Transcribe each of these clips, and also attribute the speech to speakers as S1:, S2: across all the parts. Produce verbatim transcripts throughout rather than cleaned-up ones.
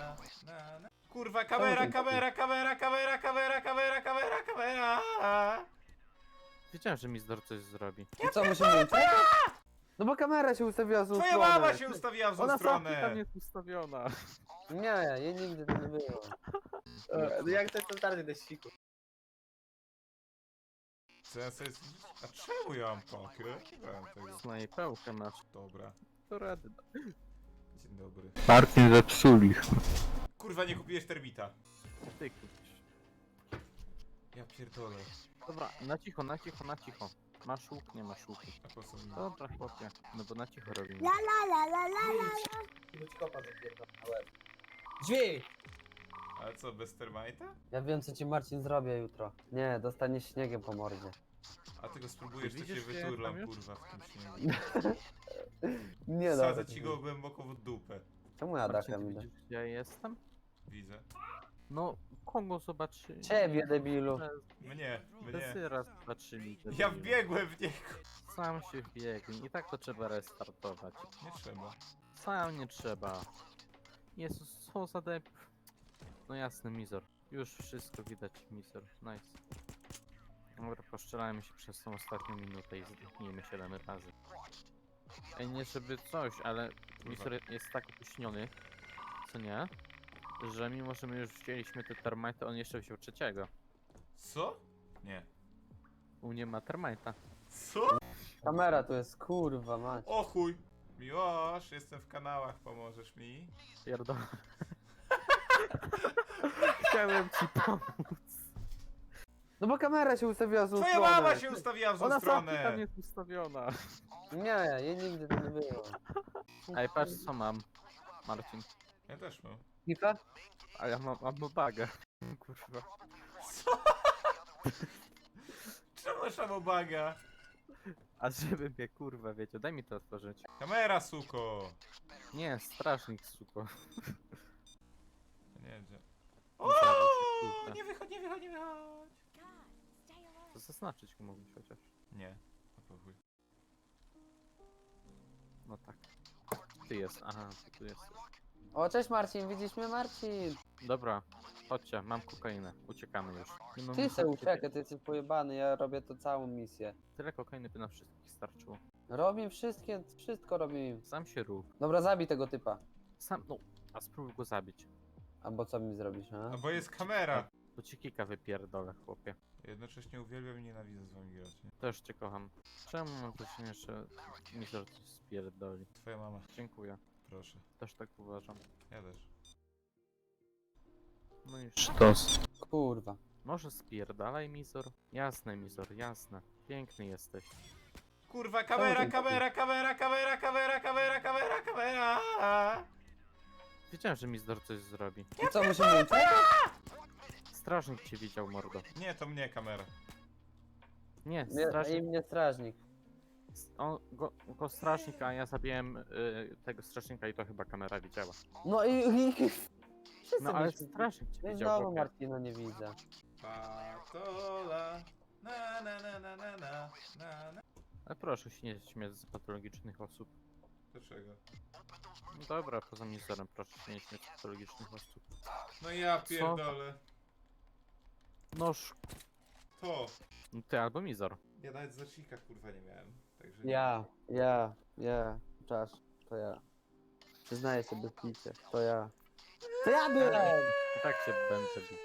S1: na, na, na. Kurwa, kamera, kamera, kamera, kamera, kamera, kamera, kamera, kamera.
S2: Wiedziałem, że Mizdor coś zrobi.
S3: I co, musimy uciekać? No bo kamera się ustawiła w złą
S1: Twoja
S3: stronę.
S1: mama się ustawiła w złą
S2: Ona sama tam
S1: stronę.
S2: jest ustawiona.
S3: Nie, jej nigdy to nie było.
S4: E, No jak to jest totalny deściku.
S1: Co ja sobie... A czemu ja mam pakę? Nie mam tego.
S2: Snajpełkę masz.
S1: Dobra,
S2: To rady.
S1: dzień dobry.
S5: Martin zepsuli.
S1: Kurwa, nie kupiłeś termita.
S2: Ty kupisz.
S1: Ja pierdolę.
S2: Dobra, na cicho, na cicho, na cicho. Masz łuk, nie masz łuku.
S1: A po co mi?
S2: Dobra, chłopie. No bo na cicho robimy.
S6: La la la la la la.
S4: Ilu ci kopa zapierdol na łeb. Drzwi!
S1: Ale co, bez termita?
S3: Ja wiem, co ci Marcin zrobię jutro. Nie, dostaniesz śniegiem po mordzie.
S1: A ty go spróbujesz, to cię
S2: Widzisz, gdzie
S1: wyturlam,
S2: tam już?
S1: kurwa, w tym śniegu.
S3: Nie
S1: Sadzę
S3: dobra.
S1: ci go głęboko w dupę.
S3: Czemu ja
S2: Marcin,
S3: dachem
S2: ty
S3: idę?
S2: widzisz, gdzie ja jestem?
S1: Widzę.
S2: No, kogo zobaczy?
S3: Ciebie, debilu.
S1: Mnie, mnie.
S2: Ty raz zobaczyli.
S1: Ja wbiegłem w niego.
S2: Sam się wbiegł. I tak to trzeba restartować.
S1: Nie trzeba.
S2: Sam nie trzeba. Jezus, co za dep... No jasny, Mizor. Już wszystko widać, Mizor. Nice. Dobra, poszczelajmy się przez tą ostatnią minutę i zdechnijmy siedem razy. Ej, nie żeby coś, ale Mizor jest tak opóźniony, co nie? Że mimo, że my już wzięliśmy te termite, on jeszcze wziął trzeciego.
S1: Co? Nie.
S2: U mnie ma termita.
S1: Co?
S3: Kamera tu jest, kurwa mać.
S1: O chuj. Miłosz, jestem w kanałach, pomożesz mi?
S2: Pierdolę. Chciałem ci pomóc.
S3: No bo kamera się ustawiła w złą
S1: Twoja
S3: stronę.
S1: mama się ustawiła w złą
S2: Ona sama tam
S1: stronę.
S2: jest ustawiona.
S3: Nie, jej nigdy to nie było.
S2: Ej, patrz co mam, Marcin.
S1: Ja też mam.
S3: Kika?
S2: A ja mam, mam bagę. Kurwa.
S1: Co? Czemu szamobaga?
S2: A żeby mnie kurwa wiecie, daj mi to otworzyć.
S1: Kamera, suko.
S2: Nie, strażnik suko.
S1: Nie wiem gdzie.
S2: Nie zjadł się,
S1: O,
S2: kurwa.
S1: nie wychodź, nie wychodź, nie wychodź.
S2: To zaznaczyć go mógłbyś chociaż.
S1: Nie. A po chuj.
S2: No tak. Ty jest, aha, ty tu jest.
S3: O, cześć Marcin, widzisz mnie Marcin?
S2: Dobra, chodźcie, mam kokainę, uciekamy już. Nie no,
S3: Ty
S2: muszę
S3: se
S2: uciekać.
S3: uciekaj, ty jesteś pojebany, ja robię to całą misję.
S2: Tyle kokainy by na wszystkich starczyło.
S3: Robię wszystkie, wszystko robię.
S2: Sam się rób.
S3: Dobra, zabij tego typa.
S2: Sam, no, a spróbuj go zabić.
S3: Albo co mi zrobisz, a?
S1: No bo jest kamera.
S2: Bo ci kika wypierdolę, chłopie.
S1: Jednocześnie uwielbiam i nienawidzę z wami grać. Nie?
S2: Też cię kocham. Czemu mam wrażenie, jeszcze Mizor coś spierdoli?
S1: Twoja mama,
S2: Dziękuję.
S1: proszę.
S2: Też tak uważam.
S1: Ja też.
S2: No już.
S5: Sztos.
S3: Kurwa.
S2: Może spierdalaj, Mizor? Jasne, Mizor, jasne. Piękny jesteś.
S1: Kurwa, kamera, kamera, kamera, kamera, kamera, kamera, kamera, kamera.
S2: Wiedziałem, że Mizor coś zrobi.
S3: I co, musimy uciekać?
S2: Strażnik cię widział, mordo.
S1: Nie, to mnie kamera.
S2: Nie,
S3: Nie,
S2: strażnik.
S3: i mnie strażnik.
S2: On, go, go strażnik, a ja zabiłem y, tego strażnika i to chyba kamera widziała.
S3: No i... i... Wszyscy
S2: No ale
S3: byśmy-
S2: strażnik cię
S3: No i
S2: widział,
S3: znowu
S2: chłopie.
S3: Marcina nie widzę.
S1: Patola. Na na na na na na na na.
S2: Ale proszę się nie śmiać z patologicznych osób.
S1: Dlaczego?
S2: No dobra, poza Mizorem, proszę się nie śmiać z patologicznych osób.
S1: No ja pierdolę.
S2: Noż,
S1: To.
S2: no ty albo Mizor.
S1: Ja nawet zacznika kurwa nie miałem. Także
S3: Ja, ja, ja. Czasz, to ja. Przyznaję się bez picia, to ja. To ja byłem!
S2: I tak się będę bił.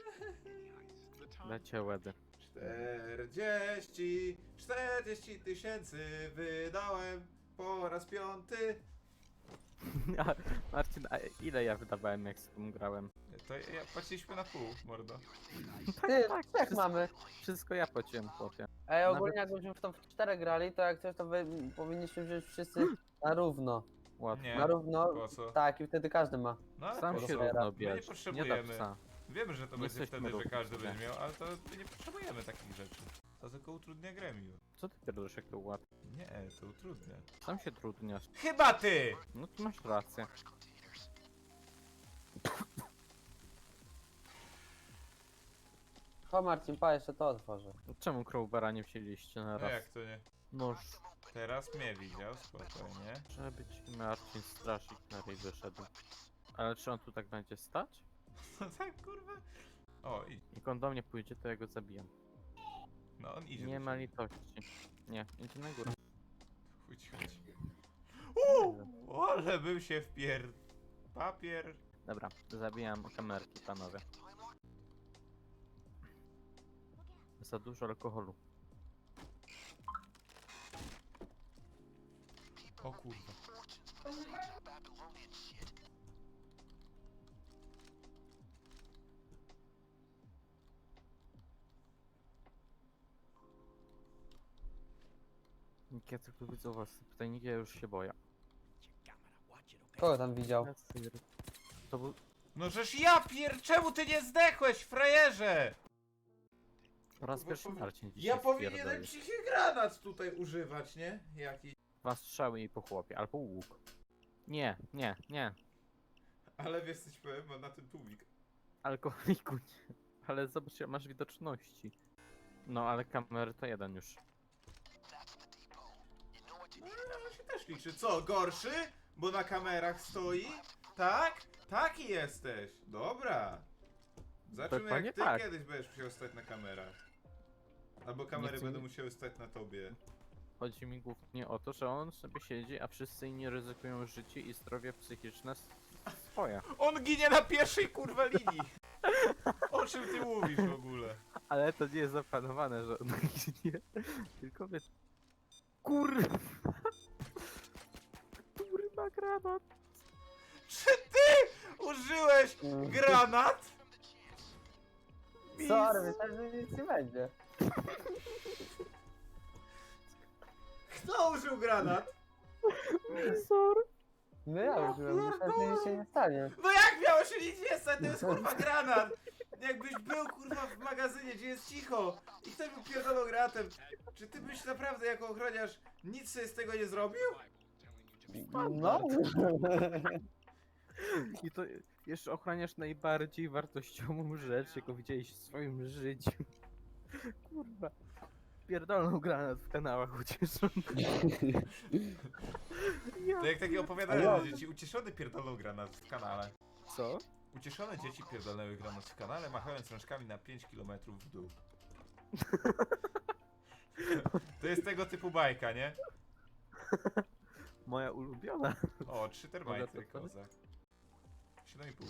S2: Lecie łedy.
S1: czterdzieści, czterdzieści tysięcy wydałem po raz piąty.
S2: A, Marcin, a ile ja wydawałem jak z tym grałem?
S1: To ja płaciliśmy na pół, mordo.
S3: Ty,
S2: tak,
S3: trzech
S2: wszystko-
S3: mamy.
S2: Wszystko ja płaciłem, chłopie.
S3: Ej, ogólnie
S2: Nawet-
S3: jakbyśmy w to w czterech grali, to jak coś to wy, powinniśmy wziąć wszyscy na równo.
S2: Łatwo.
S1: Nie.
S3: Na równo,
S1: Po co?
S3: tak i wtedy każdy ma.
S1: No ale
S2: Sam
S1: po
S2: się
S1: co?
S2: równo
S1: My nie
S2: bierz. Nie da
S1: potrzebujemy.
S2: psa.
S1: Wiemy, że to
S2: Nie
S1: będzie
S2: jesteśmy
S1: wtedy, że
S2: równi
S1: każdy
S2: sobie.
S1: będzie miał, ale to my nie potrzebujemy takich rzeczy. To tylko utrudnia grę miło.
S2: Co ty pierdolisz, jak to łatwo?
S1: Nie, to utrudnia.
S2: Sam się trudniasz.
S1: Chyba ty!
S2: No tu masz rację.
S3: Cho Marcin, pa, jeszcze to otworzę.
S2: Czemu Crowbara nie wzięliście na
S1: No
S2: raz?
S1: jak to nie?
S2: Noż,
S1: Teraz mnie widział, spokojnie.
S2: żeby ci Marcin straszyć na ryj wyszedł. Ale czy on tu tak będzie stać?
S1: No tak, kurwa. O, i,
S2: Jak on do mnie pójdzie, to ja go zabijam.
S1: no on idzie
S2: Nie
S1: do
S2: ma
S1: ciebie.
S2: litości. Nie, idzie na górę.
S1: Chuj ci chodzi. Uuu, ale bym się wpier... Papier...
S2: Dobra, zabijam kamerki, panowie. Za dużo alkoholu.
S1: O kurwa.
S2: Jak ja tylko widzę u was te pytajniki, ja już się boję.
S3: Kogo tam widział?
S2: To był...
S1: No żeż ja pier... Czemu ty nie zdechłeś, frajerze?
S2: Po raz
S1: Bo
S2: pierwszy
S1: powi-
S2: Marcin dzisiaj
S1: Ja powinienem
S2: wpierdolił.
S1: cichy granat tutaj używać, nie? Jaki...
S2: Dwa strzały i po chłopie, albo łuk. Nie, nie, nie.
S1: Ale wiesz coś powiem, mam na tym tłumik.
S2: Alkoholiku nie. Ale zobacz, jak masz widoczności. No, ale kamery to jeden już.
S1: No ale on się też liczy. Co, gorszy? Bo na kamerach stoi? Tak? Taki jesteś. Dobra. Zobaczymy
S2: Dokładnie
S1: jak ty
S2: tak.
S1: kiedyś będziesz musiał stać na kamerach. Albo kamery
S2: chcę
S1: będą
S2: mi-
S1: musiały stać na tobie.
S2: Chodzi mi głównie o to, że on sobie siedzi, a wszyscy inni ryzykują życie i zdrowie psychiczne s- swoje.
S1: On ginie na pierwszej kurwa linii. O czym ty mówisz w ogóle?
S2: Ale to nie jest zaplanowane, że on ginie. Tylko wiesz... Kurwa! Kurwa granat!
S1: Czy ty użyłeś granat?
S3: Sorry, myślałem, że nic nie będzie.
S1: Kto użył granat?
S2: Misor!
S3: No ja użyłem, myślałem, że nic się nie stanie.
S1: No jak miało się nic nie stać? To jest kurwa granat! Jakbyś był kurwa w magazynie, gdzie jest cicho i ktoś był pierdolą granatem, czy ty byś naprawdę jako ochroniarz nic sobie z tego nie zrobił?
S3: No.
S2: I to jeszcze ochraniasz najbardziej wartościową rzecz, jaką widziałeś w swoim życiu. Kurwa. Pierdolną granat w kanałach ucieszony.
S1: To jak takie opowiadanie
S3: Ale-
S1: dla dzieci, ucieszony pierdolą granat w kanale.
S2: Co?
S1: Ucieszone dzieci pierdolnęły granat w kanale, machając rączkami na pięć kilometrów w dół. To jest tego typu bajka, nie?
S2: Moja ulubiona.
S1: O, trzy termajty,
S2: Mogę to
S1: kozak. siedem i pół.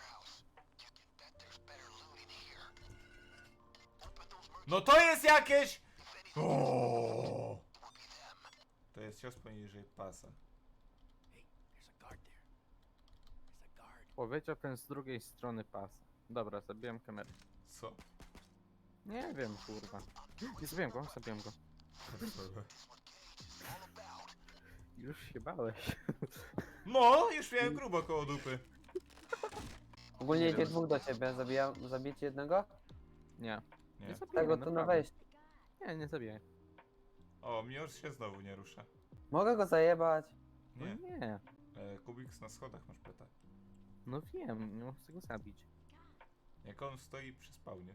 S1: No to jest jakieś... O! To jest cios poniżej pasa.
S2: Powiedział ten z drugiej strony pasa. Dobra, zabiłem kamerę.
S1: Co?
S2: Nie wiem, kurwa. Nie zabiłem go, zabiłem go. Już się bałeś.
S1: No, już miałem grubo koło dupy.
S3: Ogólnie idzie dwóch do ciebie, zabijam, zabić jednego?
S2: Nie.
S1: Nie.
S2: Nie zabijaj,
S3: Tego tu na
S2: naprawdę.
S3: wejście.
S2: Nie, nie zabijaj.
S1: O, Mior się znowu nie rusza.
S3: Mogę go zajebać?
S2: No
S1: Nie.
S2: nie.
S1: E, Kubiks na schodach masz peta.
S2: No wiem, nie chcę go zabić.
S1: Jak on stoi przy spawnie.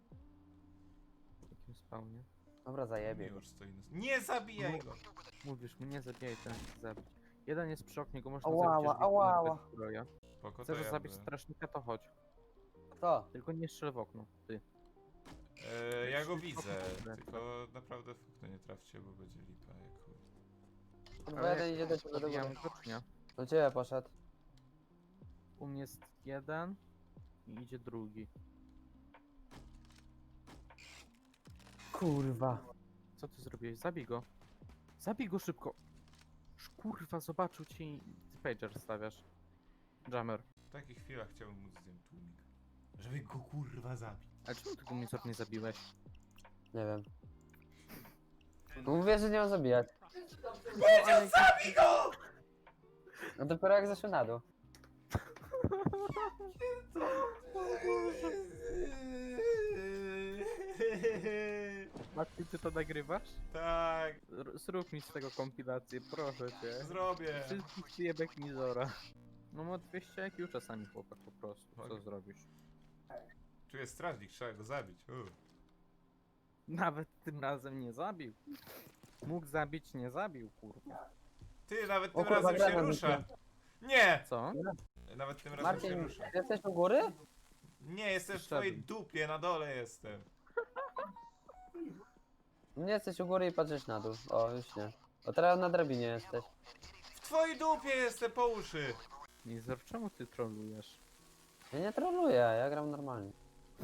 S2: W jakim spawnie?
S3: Dobra, zajebie go.
S1: Mior stoi na... Nie zabijaj go!
S2: Mówisz mu, nie zabijaj, ten chce zabić. Jeden jest przy oknie, go można
S3: Ała,
S2: zabić, jeżeli
S3: ała,
S2: ma
S3: ała.
S2: bez zbroja.
S1: Spoko, to
S2: Chcesz
S1: ja
S2: zabić
S1: by-
S2: strażnika, to chodź.
S3: Kto?
S2: Tylko nie strzel w okno, ty.
S1: E, ja go widzę, tylko naprawdę w okno nie trafcie, bo będzie lipa jak chuj.
S3: Kurwa, jeden idzie do ciebie do
S2: Zabijam
S3: góry.
S2: go, czy nie?
S3: Do ciebie poszedł.
S2: U mnie jest jeden i idzie drugi.
S3: Kurwa.
S2: Co ty zrobiłeś? Zabij go. Zabij go szybko. Sz- Kurwa, zobaczył ci i ty pager stawiasz. Jammer.
S1: W takich chwilach chciałbym móc zdjąć tłumik. Żeby go kurwa zabić.
S2: Ale czemu ty go Mizor nie zabiłeś?
S3: Nie wiem. No mówię, że nie mam zabijać.
S1: Powiedział zabij go!
S3: No dopiero jak zeszły na dół.
S2: Matki, ty to nagrywasz?
S1: Tak,
S2: R zrób mi z tego kompilację, proszę cię.
S1: zrobię.
S2: Wszystkich przyjebek Mizora. No ma dwieście I Q czasami chłopak po prostu, co
S1: Okej.
S2: zrobisz?
S1: Tu jest strażnik, trzeba go zabić. U.
S2: Nawet tym razem nie zabił. Mógł zabić, nie zabił, kurwa.
S1: Ty, nawet
S3: O
S1: tym
S3: kurwa,
S1: razem się
S3: granat
S1: rusza.
S3: rzuciłem.
S1: Nie!
S2: Co?
S1: nawet tym razem się
S3: Marcin,
S1: ruszę.
S3: jesteś u góry?
S1: Nie, jestem w twojej
S2: Wszedłem.
S1: dupie, na dole jestem.
S3: Nie jesteś u góry i patrzysz na dół. O, już nie. O, teraz na drabinie jesteś.
S1: W twojej dupie jestem po uszy.
S2: Mizor, czemu ty trolujesz?
S3: Ja nie troluję, ja gram normalnie.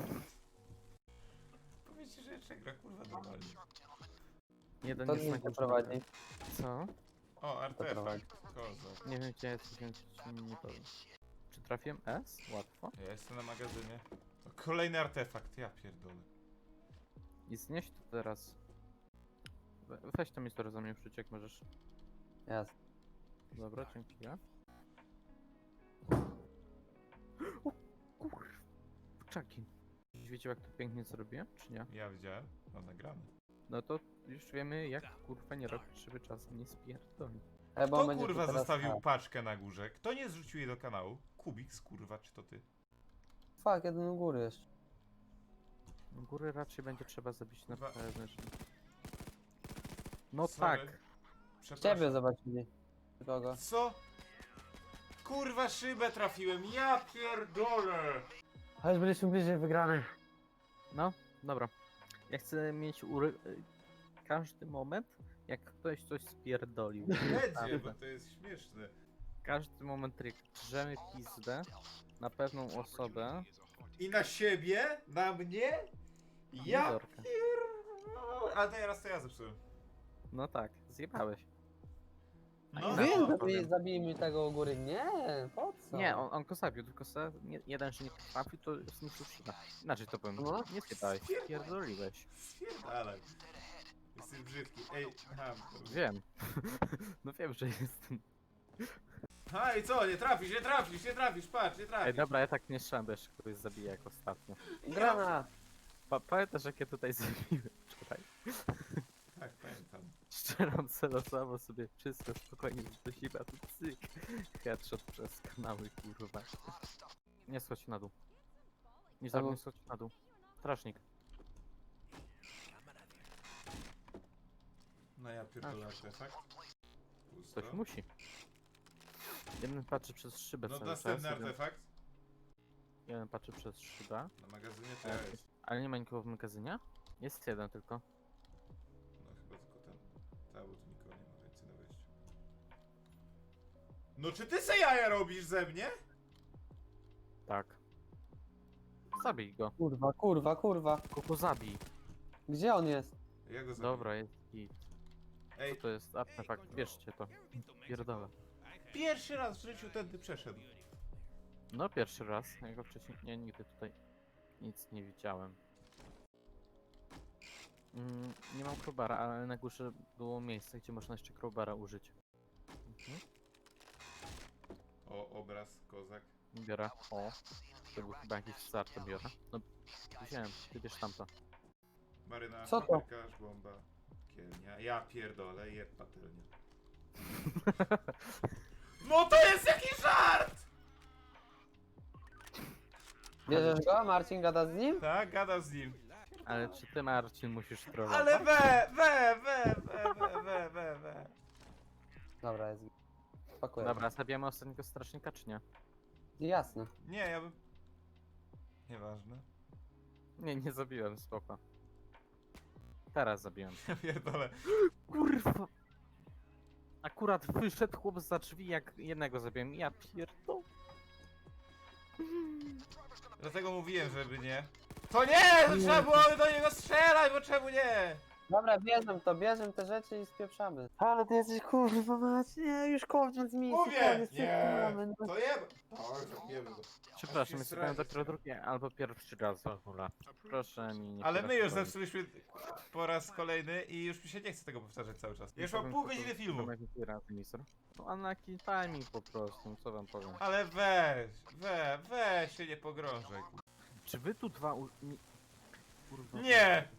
S1: Powiedzcie, że jeszcze gra kurwa normalnie.
S2: Jeden
S3: To
S2: jest na
S3: nic nie
S2: górze.
S3: prowadzi.
S2: Co?
S1: O, artefakt.
S3: prowadzi.
S1: Kozak.
S2: Nie wiem gdzie jesteś, więc ci nie powiem. Czy trafiłem S? Łatwo.
S1: Ja jestem na magazynie. O, kolejny artefakt, ja pierdolę.
S2: I znieś to teraz. We- Weź to Mizor za mnie wrzuć, jak możesz.
S3: Jasne.
S2: Dobra, dzięki. Ja. O kur... Czaki. Wiecie jak to pięknie zrobiłem, czy nie?
S1: Ja widziałem, mam nagrane.
S2: No to już wiemy jak kurwa nie robić, żeby czasem nie spierdolić.
S3: E, bo
S1: Kto
S3: będzie tu
S1: kurwa
S3: teraz
S1: zostawił
S3: tak.
S1: paczkę na górze? Kto nie zrzucił jej do kanału? Kubiks kurwa, czy to ty?
S3: Fuck, jeden u góry jeszcze.
S2: Góry raczej będzie trzeba zabić na
S1: Dwa-
S2: pewne rzeczy. No
S1: Sorry.
S2: tak.
S3: Ciebie
S1: Przepraszam.
S3: zobaczyli. Kogo?
S1: Co? Kurwa szybę trafiłem, ja pierdolę!
S3: A już byliśmy bliżej wygranej.
S2: No, dobra. Ja chcę mieć ury... y, każdy moment, jak ktoś coś spierdolił.
S1: Będzie, bo to jest śmieszne.
S2: Każdy moment trik. Drzemy pizdę na pewną osobę.
S1: I na siebie? Na mnie? Ja
S2: Mizorka.
S1: pierdolę. Ale teraz to ja zepsułem.
S2: No tak, zjebałeś.
S1: No,
S2: Wy-
S3: Wiem,
S1: no.
S3: zabij, zabij mi tego u góry. Nie, po co?
S2: Nie, on, on go zabił, tylko se, nie, jeden, że nie trafił, to zniszczył szybę. Inaczej to powiem.
S3: No.
S2: Nie zjebałeś, spierdoliłeś.
S1: Spierdalaj. Jesteś brzydki. Ej, aha.
S2: Wiem. No wiem, że jestem.
S1: A i co? Nie trafisz, nie trafisz, nie trafisz, patrz, nie
S2: Ej,
S1: trafisz.
S2: dobra, ja tak nie strzelam, bo jeszcze kogoś zabiję jak ostatnio.
S3: Granat!
S2: Pa pamiętasz jak ja tutaj zabiłem wczoraj?
S1: Tak, pamiętam.
S2: Strzelam celowo sobie wszystko spokojnie do siebie, a tu cyk. Headshot przez kanały, kurwa. Nie schodź na dół. Nie
S3: Albo-
S2: zabij, nie schodź na dół. Strażnik.
S1: No ja pierdolę artefakt. Pusto.
S2: Ktoś musi. Jeden patrzy przez szybę
S1: No
S2: cały czas.
S1: następny
S2: Jeden,
S1: artefakt.
S2: jeden patrzy przez szybę.
S1: Na magazynie to ja jest.
S2: Ale nie ma nikogo w magazynie? Jest jeden tylko.
S1: No chyba tylko ten. Ta, bo tu nikogo nie ma więcej na wejściu. No czy ty se jaja robisz ze mnie?
S2: Tak. Zabij go.
S3: Kurwa, kurwa, kurwa.
S2: Kogo zabij.
S3: Gdzie on jest?
S1: Ja go zabiję.
S2: Dobra, jest git. Co
S1: Ej,
S2: to jest artefakt? Bierzcie to. Pierdolę.
S1: pierwszy raz w życiu tędy przeszedł.
S2: No pierwszy raz. Ja go wcześniej... Nie, nigdy tutaj nic nie widziałem. Mm, nie mam crowbara, ale na górze było miejsce, gdzie można jeszcze crowbara użyć. Mhm.
S1: O, obraz, kozak.
S2: Biorę. O. To był chyba jakiś start, to biorę. No, wziąłem. Ty bierz tamto.
S1: Maryna,
S3: Co to?
S1: paprykarz, bomba, kielnia. Ja pierdolę, jeb patelnia. No to jest jakiś żart!
S3: Bierzesz go? Marcin gada z nim?
S1: Tak, gadam z nim.
S2: Ale czy ty, Marcin, musisz trollować?
S1: Ale we, we, we, we, we, we, we, we.
S3: Dobra, jest. Pakuję.
S2: Dobra, zabijamy ostatniego strażnika, czy nie?
S3: Jasne.
S1: Nie, ja bym... Nieważne.
S2: Nie, nie zabiłem, spoko. Teraz zabiłem.
S1: Ja pierdolę.
S2: Kurwa! Akurat wyszedł chłop za drzwi, jak jednego zabiłem. Ja pierdolę.
S1: Dlatego mówiłem, żeby nie. To nie! To trzeba było do niego strzelać, bo czemu nie?
S3: Dobra, bierzemy to, bierzemy te rzeczy i spieprzamy. Ale ty jesteś kurwa mać, nie, już koniec misji,
S1: Mówię!
S3: koniec,
S1: Nie!
S3: spieprzamy, no.
S1: To jeb! Tak, zabijemy go.
S2: Przepraszam,
S1: Aż się
S2: jest dopiero
S1: srazi.
S2: drugi albo pierwszy raz w ogóle. Proszę mi nie
S1: Ale my już
S2: przeszkadzać.
S1: zepsuliśmy po raz kolejny i już mi się nie chce tego powtarzać cały czas. Już mam
S2: Powiem
S1: pół
S2: tylko,
S1: godziny
S2: że
S1: filmu.
S2: mam jakiś razy, mister. No unlucky timing po prostu, co wam powiem.
S1: Ale weź, we, weź się nie pogrążaj.
S2: Czy wy tu dwa u... Nie! Kurwa.
S1: Nie!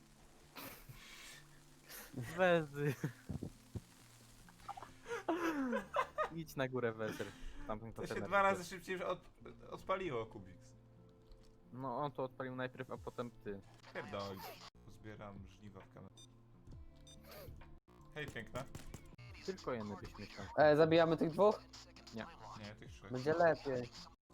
S2: Wezy. Idź na górę Wezer. Tamten
S1: To się
S2: kontener
S1: dwa razy
S2: widzę.
S1: szybciej już od, odpaliło, Kubiks.
S2: No on to odpalił najpierw, a potem ty.
S1: Pierdol. Uzbieram żniwa w kamerze. Hej, piękna.
S2: Tylko jedny byś myślał.
S3: E, zabijamy tych dwóch?
S1: Nie, tych trzech. tak.
S3: Będzie lepiej.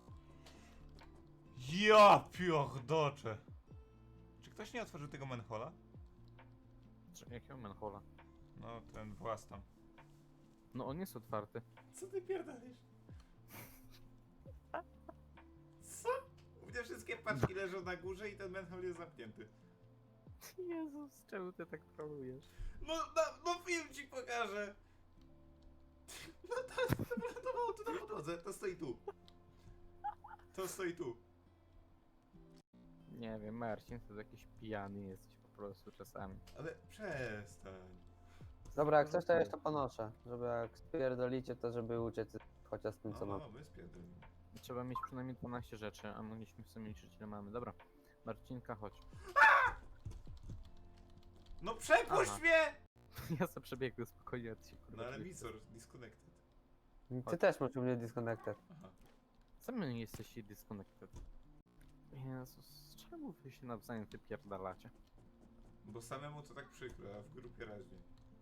S1: Ja piordocze! Czy ktoś nie otworzył tego manhola?
S2: Czy- Jakiego manhola?
S1: No, ten włas tam.
S2: No on jest otwarty.
S1: Co ty pierdolisz? Co? U mnie wszystkie paczki leżą na górze i ten manhole jest zamknięty.
S2: Jezus, czemu ty tak trolujesz?
S1: No, no, no film ci pokażę! No to, to wylądowało tu na podłodze, to stoi tu. To stoi tu.
S2: Nie wiem, Marcin to jakiś pijany jesteś po prostu czasami.
S1: Ale przestań.
S3: Dobra, jak coś to ja jeszcze ponoszę. Żeby jak spierdolicie, to żeby uciec chociaż z tym, co
S1: No,
S3: mam.
S1: no, my spierdolimy.
S2: Trzeba mieć przynajmniej dwanaście rzeczy, a mogliśmy w sumie liczyć ile mamy. Dobra, Marcinka, chodź.
S1: No przepuść
S2: Aha.
S1: mnie!
S2: Ja sobie przebiegłem spokojnie, a ty się kurwa...
S1: No ale
S2: czujesz.
S1: Mizor, disconnected.
S3: Ty
S2: Chodź.
S3: też masz u mnie disconnected.
S1: Aha.
S2: Sami jesteście disconnected. Jezus, czemu wy się nawzajem wypierdalacie?
S1: Bo samemu to tak przykro, a w grupie raźniej.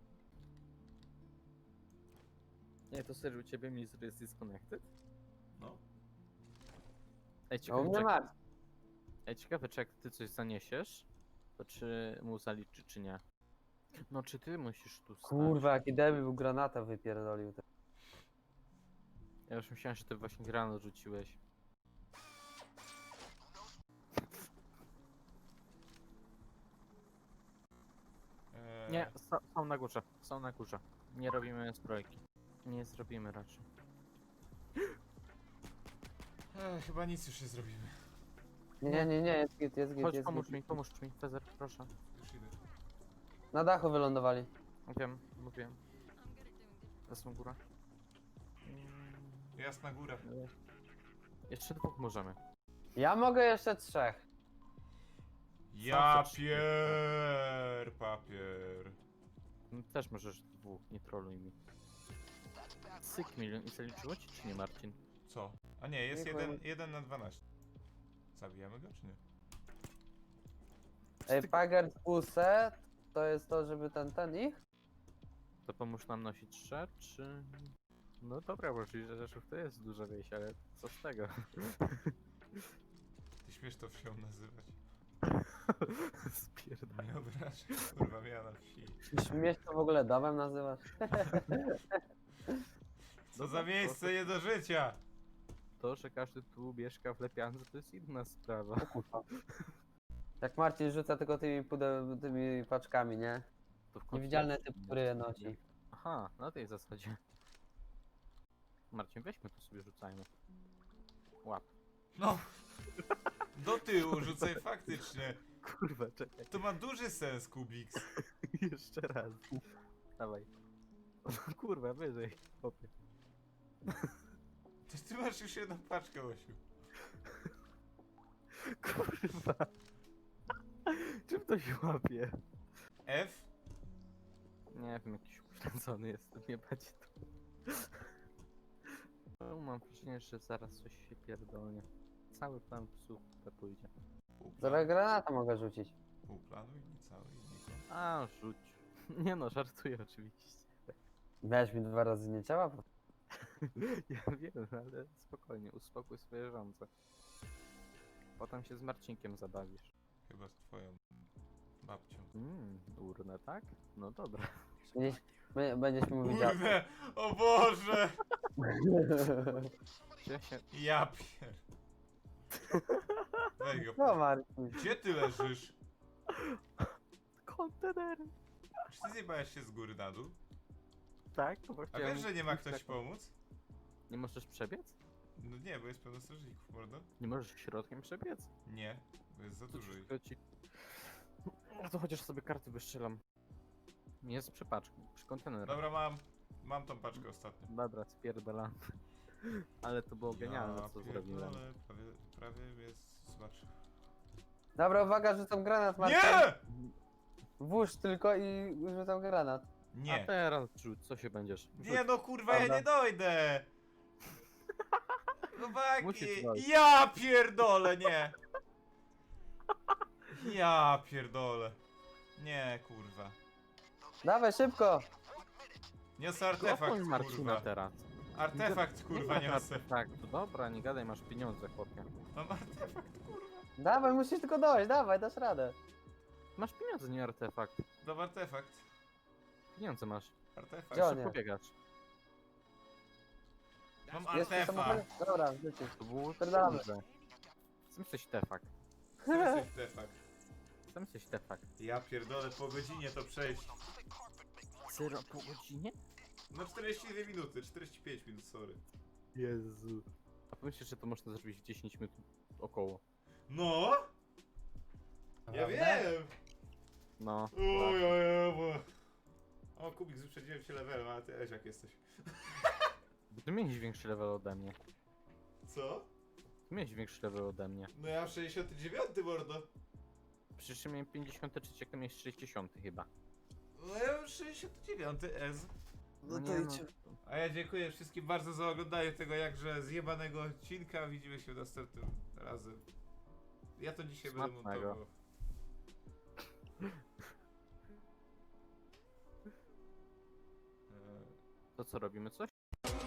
S2: Nie, to serio, u ciebie Mizor jest disconnected?
S1: No.
S2: Ej,
S3: A u
S2: ciekawe,
S3: mnie
S2: czy,
S3: masz.
S2: ej, ciekawe, czy jak ty coś zaniesiesz, to czy mu zaliczy, czy nie? No, czy ty musisz tu stać?
S3: Kurwa, jaki debil był granata wypierdolił.
S2: Ja już myślałem, że ty właśnie granat rzuciłeś.
S1: Eee,
S2: Nie, są, są na górze, są na górze. Nie robimy zbrojki. Nie zrobimy raczej.
S1: eee, chyba nic już nie zrobimy.
S3: Nie, nie, nie, nie, jest git, jest git,
S2: Chodź,
S3: jest
S2: pomóż
S3: git.
S2: mi, pomóż mi, Fezer, proszę.
S1: Już idę.
S3: Na dachu wylądowali.
S2: Wiem, mówiłem. Zasłą góra. Mm,
S1: Jasna góra.
S2: nie. Jeszcze dwóch możemy.
S3: Ja mogę jeszcze trzech.
S1: Ja
S2: co-
S1: pier papier.
S2: No, też możesz dwóch, nie troluj mi. Syk milion i zaliczyło ci, czy nie, Marcin?
S1: Co? A nie, jest
S3: Nie
S1: jeden,
S3: powiem.
S1: jeden na dwanaście. Zabijamy go czy nie?
S3: Ej, Pagard Use to jest to, żeby ten, ten ich?
S2: To pomóż nam nosić szat, czy... No dobra, bo czyli, że Rzeszów to jest duża wieś, ale co z tego?
S1: Ty śmiesz to wsią nazywać?
S2: Spierdam.
S1: Nie obrażaj, kurwa, miała na wsi.
S3: Śmiesz to w ogóle domem nazywasz?
S1: Co za miejsce nie do życia!
S2: To, że każdy tu mieszka w Lepiance, to jest inna sprawa.
S3: Jak Marcin rzuca tylko tymi, pudeł, tymi paczkami, nie?
S2: To w końcu
S3: Niewidzialny
S2: jest
S3: typ,
S2: inna
S3: który je
S2: sprawa.
S3: nosi.
S2: Aha, na tej zasadzie. Marcin, weźmy to sobie rzucajmy. Łap.
S1: No! Do tyłu rzucaj faktycznie.
S2: Kurwa, czekaj.
S1: To ma duży sens, Kubiks.
S2: Jeszcze raz. Dawaj. O, kurwa, wyżej. Chłopie.
S1: To ty masz już jedną paczkę, Osiu.
S2: Kurwa. Czym to się łapie?
S1: F?
S2: Nie wiem, jakiś uśledzony jestem, nie będzie to. No, mam wrażenie, że zaraz coś się pierdolnie. Cały plan psów to pójdzie.
S1: Pół
S3: Zaraz
S1: planu,
S3: granata mogę rzucić.
S1: pół planu i nie cały i niko.
S2: A, rzuć. Nie no, żartuję oczywiście.
S3: Miałeś mi dwa razy nie ciała?
S2: Ja wiem, ale spokojnie, uspokój swoje żądze. Potem się z Marcinkiem zabawisz.
S1: Chyba z twoją babcią.
S2: Mmm, urnę, tak? No dobra.
S3: Będziesz, be- będziesz mi mówić.
S1: Kurde! O Boże!
S2: Ja się...
S1: Ja pier... Weź go.
S3: No Marcin.
S1: Gdzie ty leżysz?
S2: Kontenery!
S1: Czy ty zjebałeś się z góry na dół?
S2: Tak? Bo
S1: A
S2: chciałem
S1: wiesz, że nie ma
S2: mówić
S1: ktoś
S2: tak-
S1: pomóc?
S2: Nie możesz przebiec?
S1: No nie, bo jest pełno strażników, mordo.
S2: Nie możesz środkiem przebiec?
S1: Nie, bo jest za
S2: To
S1: dużo ich.
S2: wszystko ci... No to chociaż sobie karty wystrzelam. Nie jest przy paczku, przy kontenerach.
S1: Dobra, mam. Mam tą paczkę ostatnio.
S2: Dobra, spierdalam. Ale to było genialne,
S1: Ja
S2: co zrobiłem.
S1: pierdolę, Prawie, prawie jest... Zobacz.
S3: Dobra, uwaga, rzucam granat, Marcin.
S1: Nie!
S3: Włóż tylko i rzucam granat.
S2: A
S1: Nie.
S2: teraz rzuć, co się będziesz? Rzuć.
S1: Nie no kurwa, ja
S3: Dobra.
S1: nie dojdę! Chłopaki!
S2: Musisz dojść.
S1: Ja pierdolę, nie! Ja pierdolę. Nie, kurwa.
S3: Dawaj, szybko!
S1: Niosę artefakt,
S2: Kopnij Marcina
S1: kurwa.
S2: teraz.
S1: Artefakt, kurwa, niosę.
S2: Tak, to dobra, nie gadaj, masz pieniądze, chłopie.
S1: Mam artefakt, kurwa.
S3: Dawaj, musisz tylko dojść, dawaj, dasz radę.
S2: Masz pieniądze, nie artefakt.
S1: Mam artefakt.
S2: Pieniądze masz.
S1: Artefakt.
S3: Gdzie on
S2: Szybko
S3: jest?
S2: biegasz.
S1: Mam
S3: Jest w
S1: artefakt.
S3: samochodzie? Dobra, wrócisz.
S2: To było
S3: Spierdalamy.
S2: kurde. Chcę jesteś tefakt.
S1: Co jesteś artefakt?
S2: Chcę jesteś tefakt.
S1: Ja pierdolę, po godzinie to przejść.
S2: Zero po godzinie?
S1: No czterdzieści dwie minuty, czterdzieści pięć minut, sorry.
S2: Jezu. A pomyślisz, że to można zrobić w dziesięć minut około.
S1: No! Ja wiem!
S2: No.
S1: Oj, oj, oj, bo... O, Kubik, wyprzedziłem cię levelem, ale ty jak jesteś.
S2: Bo ty miałeś większy level ode mnie.
S1: Co?
S2: Ty miałeś większy level ode mnie.
S1: No ja mam sześćdziesiąty dziewiąty, mordo.
S2: Przecież ja miałem pięćdziesiąty trzy, jak ty miałeś sześćdziesiąty chyba.
S1: No ja mam sześćdziesiąty dziewiąty S.
S3: No
S2: nie,
S3: to
S2: no,
S3: idź.
S1: A ja dziękuję wszystkim bardzo za oglądanie tego jakże zjebanego odcinka. Widzimy się następnym razem. Ja to dzisiaj będę
S2: Smacznego.
S1: montował. Eee,
S2: To co, robimy coś?